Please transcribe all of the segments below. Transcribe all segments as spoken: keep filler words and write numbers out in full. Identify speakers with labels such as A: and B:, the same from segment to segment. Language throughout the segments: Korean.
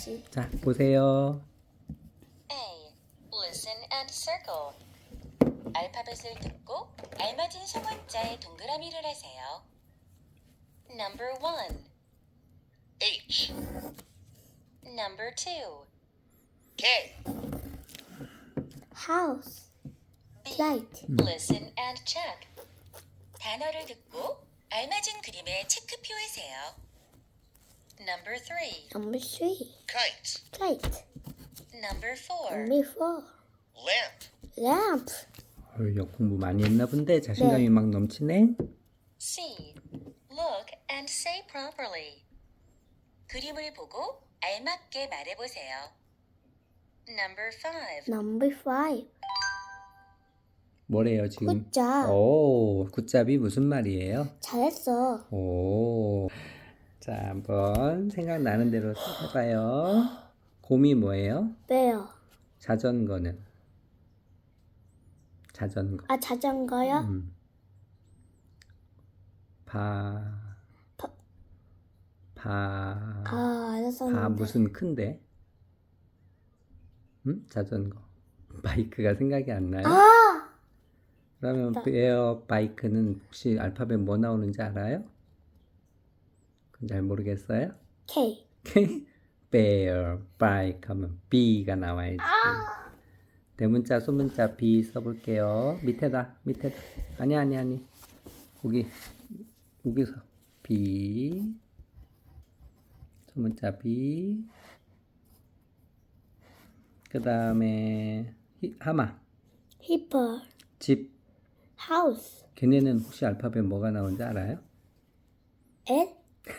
A: 해야지.
B: 자, 보세요.
C: A. Listen and circle. 알파벳을 듣고 알맞은 소문자에 동그라미를 하세요. Number one.
D: H
C: Number two.
D: K
A: House.
C: B.
A: Light.
C: Listen and check. 단어를 듣고 알맞은 그림에 체크표하세요. Number three.
A: Number three.
D: Kite
A: Kite.
C: Number four.
A: Number four.
D: Lamp
A: Lamp.
B: 어휴, 공부 많이 했나 본데 자신감이
A: 네.
B: 막 넘치네.
C: C. Look and say properly. 그림을 보고 알맞게 말해보세요. Number five.
A: Number five.
B: 뭐래요 지금?
A: 굿잡.
B: 오, 굿잡이 무슨 말이에요?
A: 잘했어.
B: 오, 자 한번 생각나는 대로 해봐요. 곰이 뭐예요?
A: 왜요?
B: 자전거는? 자전거.
A: 아, 자전거요?
B: 음. 바,
A: 바-
B: 바,
A: 아, 알았었는데.
B: 바 무슨 큰데? 음? 자전거. 바이크가 생각이 안 나요?
A: 아!
B: 그러면
A: 맞다.
B: 에어 바이크는 혹시 알파벳 뭐 나오는지 알아요? 그건 잘 모르겠어요?
A: K.
B: bear, bike 하면 B가 나와야지. 대문자, 소문자 B 써볼게요. 밑에다, 밑에다. 아니, 아니, 아니. 거기, 여기서 B. 소문자 B. 그 다음에 하마,
A: Hippo.
B: 집.
A: House.
B: 걔네는 혹시 알파벳 뭐가 나오는지 알아요?
A: L.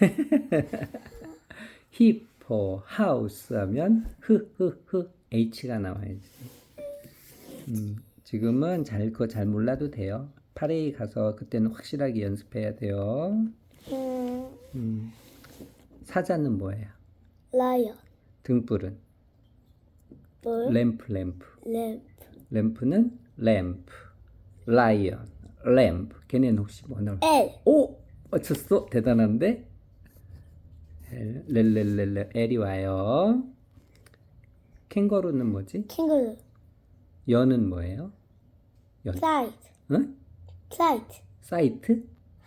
B: 히포, 하우스 하면 흐흐흐 H가 나와야지. 음, 지금은 잘 거 잘 몰라도 돼요. 파레이 가서 그때는 확실하게 연습해야 돼요.
A: 음,
B: 음, 사자는 뭐예요?
A: Lion.
B: 등불은
A: 물.
B: 램프, 램프.
A: Lamp.
B: 램프는 램프, 라이언, 램프. 걔네는 혹시 뭐 나올?
A: L.
B: 오, 맞췄어. 대단한데? L, 렐렐렐렐 L이 와요. 캥거루는 뭐지?
A: Kangaroo.
B: 연은 뭐예요? 연.
A: Kite.
B: 응?
A: Kite.
B: 사이트?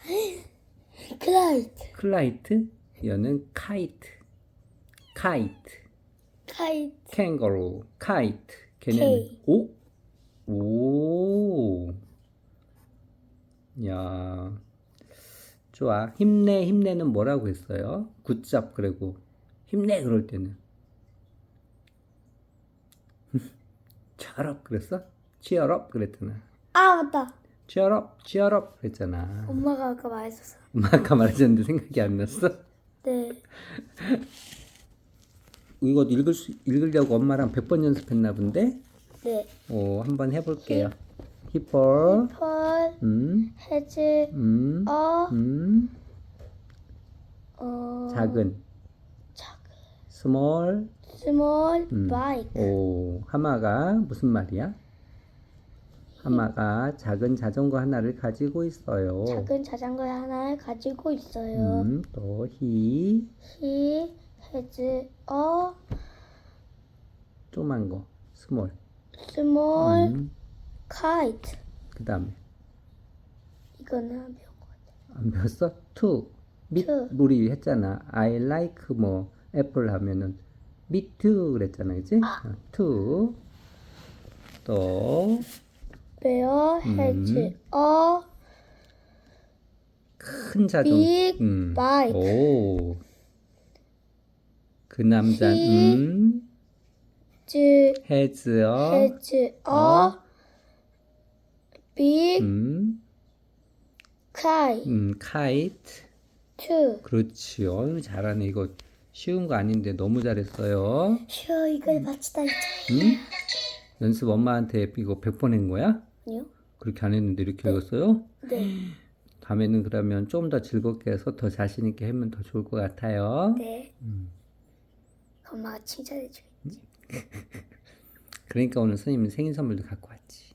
A: Kite.
B: 클라이트? 연은 카이트. 카이트.
A: Kite.
B: 캥거루. 카이트. 걔네는
A: K.
B: 오? 오. 야. 좋아. 힘내, 힘내는 뭐라고 했어요? 굿잡 그러고 힘내 그럴 때는 cheer 그랬어? cheer up 그랬잖아.
A: 아, 맞다.
B: cheer up, cheer up 그랬잖아.
A: 엄마가 아까 말했었어.
B: 엄마 아까 말하셨는데 생각이 안 났어?
A: 네.
B: 이거 읽을 수, 읽으려고 엄마랑 백 번 연습했나 본데?
A: 네.
B: 오, 한번 해볼게요. 히퍼,
A: Hippo.
B: 음,
A: has
B: 음,
A: a
B: 음,
A: 어,
B: 작은,
A: 작은
B: small,
A: small
B: 음.
A: bike.
B: 오, 하마가 무슨 말이야? 하마가 작은 자전거 하나를 가지고 있어요.
A: 작은 자전거 하나를 가지고 있어요.
B: 음, 또 he,
A: He has a
B: 조그만 거, small.
A: small
B: 음,
A: kite.
B: 그 다음에
A: 이거는 안 배운 것 같아.
B: 안 배웠어? to, 밑,
A: to.
B: 우리 했잖아. I like 뭐 애플 하면은 me too 그랬잖아, 그치? 어, to. 또
A: Bear has
B: 음.
A: a
B: 큰 자전,
A: big
B: 음,
A: bike.
B: 오, 그 남자,
A: He
B: 음,
A: has
B: has a,
A: has a
B: 어,
A: big
B: 음,
A: kite
B: 음, kite.
A: too.
B: 그렇지. 어유 잘하네. 이거 쉬운 거 아닌데 너무 잘했어요.
A: 쉬어, 이걸 맞추다 했죠.
B: 응? 연습 엄마한테 이거 백 번 한 거야?
A: 아니요?
B: 그렇게 안 했는데 이렇게 읽었어요?
A: 네.
B: 다음에는 그러면 좀 더 즐겁게 해서 더 자신 있게 하면 더 좋을 것 같아요.
A: 네.
B: 음.
A: 엄마가 칭찬해 주겠지.
B: 그러니까 오늘 선생님이 생일 선물도 갖고 왔지.